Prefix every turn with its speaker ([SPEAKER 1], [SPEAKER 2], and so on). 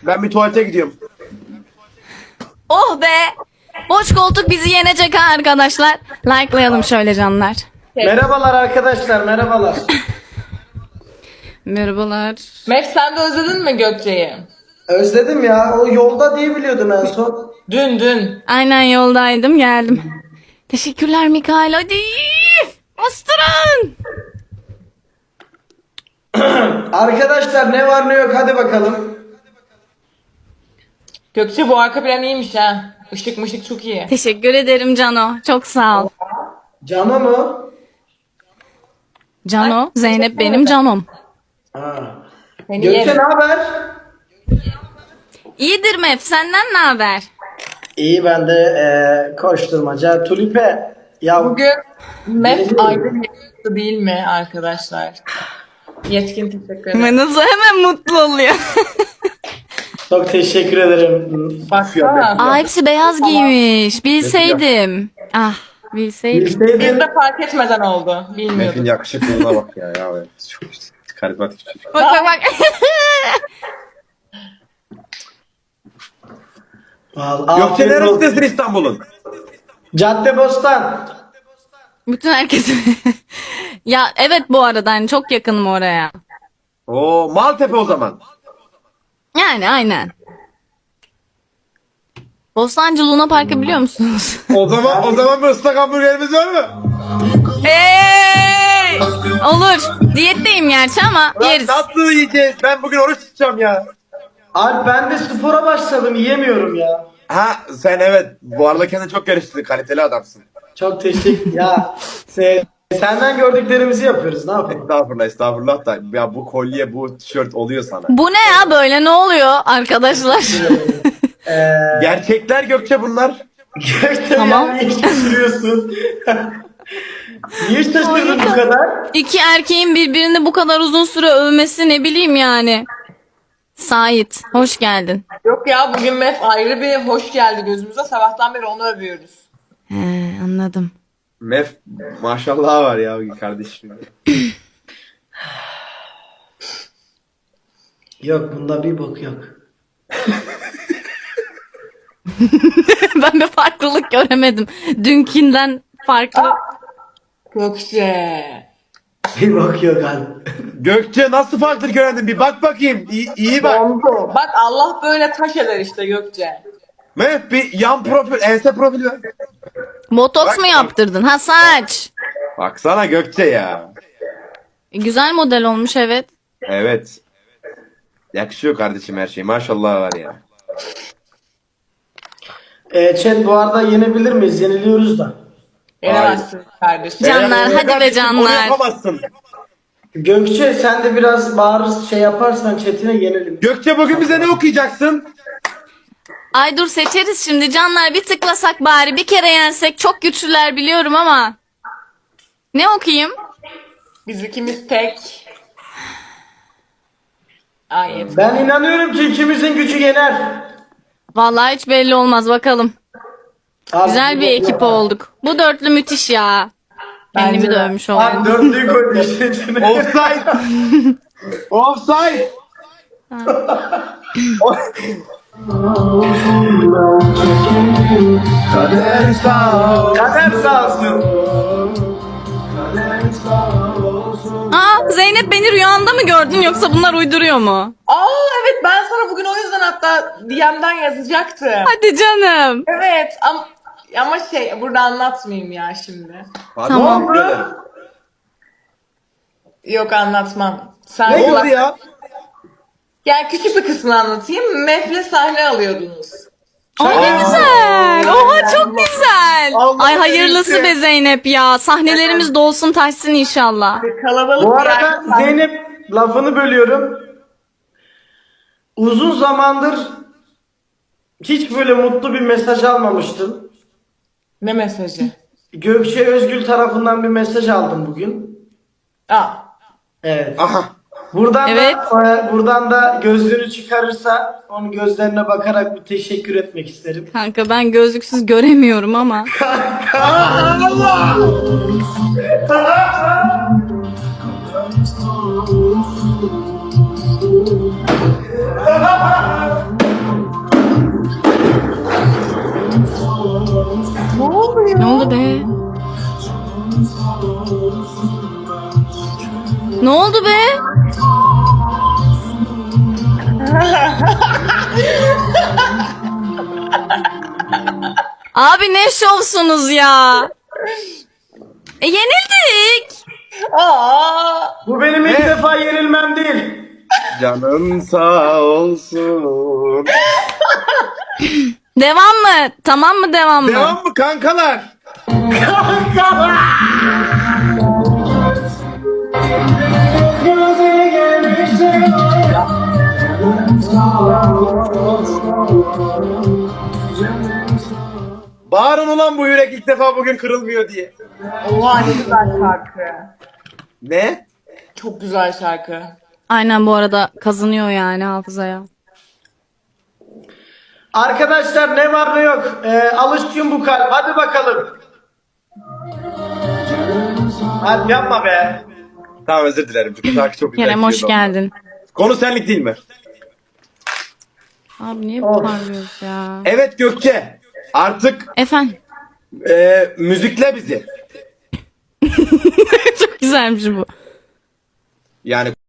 [SPEAKER 1] Ben bir tuvalete gidiyorum.
[SPEAKER 2] Oh be! Boş koltuk bizi yenecek ha arkadaşlar. Like'layalım şöyle canlar.
[SPEAKER 3] Merhabalar arkadaşlar, merhabalar.
[SPEAKER 2] Merhabalar.
[SPEAKER 4] Mef sen de özledin mi Gökçe'yi?
[SPEAKER 3] Özledim ya, o yolda diye biliyordum en son.
[SPEAKER 4] Dün.
[SPEAKER 2] Aynen yoldaydım geldim. Teşekkürler Mikael hadi. Bastırın.
[SPEAKER 3] Arkadaşlar ne var ne yok hadi bakalım.
[SPEAKER 4] Gökçe bu arka plan iyiymiş ha. Işık mışık çok iyi.
[SPEAKER 2] Teşekkür ederim Cano. Çok sağ ol.
[SPEAKER 3] Cano mu?
[SPEAKER 2] Cano, Zeynep benim Canom.
[SPEAKER 3] Ha.
[SPEAKER 4] Seni
[SPEAKER 3] Gökçe
[SPEAKER 4] yerim.
[SPEAKER 3] ne haber?
[SPEAKER 2] İyidir Mef senden ne haber?
[SPEAKER 3] İyi ben de koşturmaca. Tulipe. Ya
[SPEAKER 4] Bugün Mef
[SPEAKER 3] Yeni
[SPEAKER 4] ayrı bir yoktu değil mi arkadaşlar? Yetkin teşekkür ederim.
[SPEAKER 2] Nasıl hemen mutlu oluyor.
[SPEAKER 3] çok teşekkür ederim.
[SPEAKER 4] Baksana.
[SPEAKER 2] Aa hepsi beyaz giymiş. Bilseydim. Ah bilseydim.
[SPEAKER 4] Biz
[SPEAKER 3] Bilseydin
[SPEAKER 4] de fark etmeden oldu.
[SPEAKER 1] Mef'in
[SPEAKER 4] Bilmiyorduk.
[SPEAKER 1] yakışıklılığına bak ya. Çok karizmatik çocuk.
[SPEAKER 2] Bak bak bak.
[SPEAKER 3] Vallahi
[SPEAKER 1] Gökçe
[SPEAKER 3] afiyet olsun.
[SPEAKER 1] neresindesin İstanbul'un?
[SPEAKER 3] Caddebostan.
[SPEAKER 2] Bütün herkes. Ya evet bu arada hani çok yakınım oraya.
[SPEAKER 1] Oo, Maltepe o zaman.
[SPEAKER 2] Yani aynen. Bostancı Luna Park'ı biliyor musunuz?
[SPEAKER 1] O zaman bir ıslak hamburgerimiz var mı?
[SPEAKER 2] Hey! Olur. Diyetteyim gerçi ama yeriz.
[SPEAKER 1] Nasıl yiyeceğiz? Ben bugün oruç tutacağım ya.
[SPEAKER 3] Abi ben de spora başladım yiyemiyorum ya.
[SPEAKER 1] Ha sen evet. Bu arada kendini çok geliştirdin. Kaliteli adamsın.
[SPEAKER 3] Çok teşekkür ya. Senden gördüklerimizi yapıyoruz ne yapalım?
[SPEAKER 1] Estağfurullah da ya bu kolye bu tişört oluyor sana.
[SPEAKER 2] Bu ne ya böyle ne oluyor arkadaşlar?
[SPEAKER 1] Gerçekler Gökçe bunlar.
[SPEAKER 3] Gökçe
[SPEAKER 2] Tamam.
[SPEAKER 3] yani hiç şaşırıyorsun. Niye şaşırdın bu kadar?
[SPEAKER 2] İki erkeğin birbirini bu kadar uzun süre övmesi ne bileyim yani. Sait hoş geldin.
[SPEAKER 4] Yok ya bugün Mef ayrı bir hoş geldi gözümüze. Sabahtan beri onu övüyoruz.
[SPEAKER 2] He anladım.
[SPEAKER 1] Mef maşallah var ya kardeşim.
[SPEAKER 3] Yok bunda bir bok yok.
[SPEAKER 2] Ben bir farklılık göremedim. Dünkinden farklı.
[SPEAKER 4] Gökçe.
[SPEAKER 3] Bir bok yok abi.
[SPEAKER 1] Gökçe nasıl farklı görendin bir bak bakayım. İyi bak.
[SPEAKER 4] Oldu. Bak Allah böyle taş eder işte Gökçe.
[SPEAKER 1] Mef bir yan profil ense profili ver.
[SPEAKER 2] Botoks
[SPEAKER 1] Bak-
[SPEAKER 2] mu yaptırdın? Ha saç.
[SPEAKER 1] Baksana Gökçe ya.
[SPEAKER 2] Güzel model olmuş evet.
[SPEAKER 1] Evet. Yakışıyor kardeşim her şey. Maşallah var ya.
[SPEAKER 3] Chat bu arada yenebilir miyiz? Yeniliyoruz da.
[SPEAKER 4] Yenemezsin kardeşim.
[SPEAKER 2] Canlar, hadi be
[SPEAKER 1] Kardeşim,
[SPEAKER 2] canlar.
[SPEAKER 1] Onu yapamazsın.
[SPEAKER 3] Gökçe sen de biraz bağır şey yaparsan chatine yenelim.
[SPEAKER 1] Gökçe bugün bize ne okuyacaksın?
[SPEAKER 2] Ay dur seçeriz şimdi canlar bir tıklasak bari bir kere yensek çok güçlüler biliyorum ama. Ne okuyayım?
[SPEAKER 4] Biz ikimiz tek. Ay
[SPEAKER 3] Ben inanıyorum ki ikimizin gücü yener.
[SPEAKER 2] Vallahi hiç belli olmaz bakalım.
[SPEAKER 3] Abi,
[SPEAKER 2] Güzel bir ekip olduk. Bu dörtlü müthiş ya. Kendimi
[SPEAKER 4] Bence de.
[SPEAKER 2] dövmüş oldum.
[SPEAKER 3] Abi dörtlüyü koy işin içine.
[SPEAKER 1] Offside. Offside. Kader sağ ol.
[SPEAKER 3] Kader sağ olsun.
[SPEAKER 2] Aa Zeynep beni rüyanda mı gördün yoksa bunlar uyduruyor mu?
[SPEAKER 4] Aa evet ben sana bugün o yüzden hatta DM'den yazacaktım.
[SPEAKER 2] Hadi canım.
[SPEAKER 4] Evet ama şey burada anlatmayayım ya şimdi.
[SPEAKER 2] Tamam.
[SPEAKER 1] Ne oldu?
[SPEAKER 4] Yok anlatmam. Sen
[SPEAKER 1] Ne oldu ya?
[SPEAKER 4] Yani küçük bir kısmını anlatayım. Mef'le sahne alıyordunuz.
[SPEAKER 2] Ay ne güzel. Oha çok güzel.
[SPEAKER 1] Allah
[SPEAKER 2] Ay hayırlısı
[SPEAKER 1] neyse.
[SPEAKER 2] be Zeynep ya. Sahnelerimiz dolsun taşsın inşallah.
[SPEAKER 4] Kalabalık
[SPEAKER 3] Bu
[SPEAKER 4] bir
[SPEAKER 3] arada
[SPEAKER 4] yer-
[SPEAKER 3] Zeynep lafını bölüyorum. Uzun zamandır hiç böyle mutlu bir mesaj almamıştım.
[SPEAKER 4] Ne mesajı?
[SPEAKER 3] Gökçe Özgül tarafından bir mesaj aldım bugün.
[SPEAKER 4] Aa.
[SPEAKER 3] Evet.
[SPEAKER 1] Aha.
[SPEAKER 3] Buradan
[SPEAKER 2] Evet.
[SPEAKER 3] buradan da gözlüğünü çıkarırsa onun gözlerine bakarak bir teşekkür etmek isterim.
[SPEAKER 2] Kanka ben gözlüksüz göremiyorum ama. Ne oldu be? Abi ne şovsunuz ya? Yenildik.
[SPEAKER 4] Aa!
[SPEAKER 3] Bu benim ilk defa yenilmem değil.
[SPEAKER 1] Canın sağ olsun.
[SPEAKER 2] Devam mı? Tamam mı, devam mı?
[SPEAKER 1] Devam mı kankalar? Bağırın ulan bu yürek ilk defa bugün kırılmıyor diye.
[SPEAKER 4] Oha ne güzel şarkı.
[SPEAKER 1] Ne?
[SPEAKER 4] Çok güzel şarkı.
[SPEAKER 2] Aynen, bu arada kazanıyor yani hafızaya.
[SPEAKER 3] Arkadaşlar ne var ne yok. Alıştım bu kalp. Hadi bakalım. Hadi yapma be.
[SPEAKER 1] Tamam özür dilerim. Bu şarkı çok güzel.
[SPEAKER 2] Kerem hoş
[SPEAKER 1] gidiyordu.
[SPEAKER 2] geldin.
[SPEAKER 1] Konu senlik değil mi?
[SPEAKER 2] Abi niye bu
[SPEAKER 3] Of.
[SPEAKER 2] parlıyoruz ya?
[SPEAKER 1] Evet Gökçe. Artık
[SPEAKER 2] Efendim.
[SPEAKER 1] müzikle bizi.
[SPEAKER 2] Çok güzelmiş bu.
[SPEAKER 1] Yani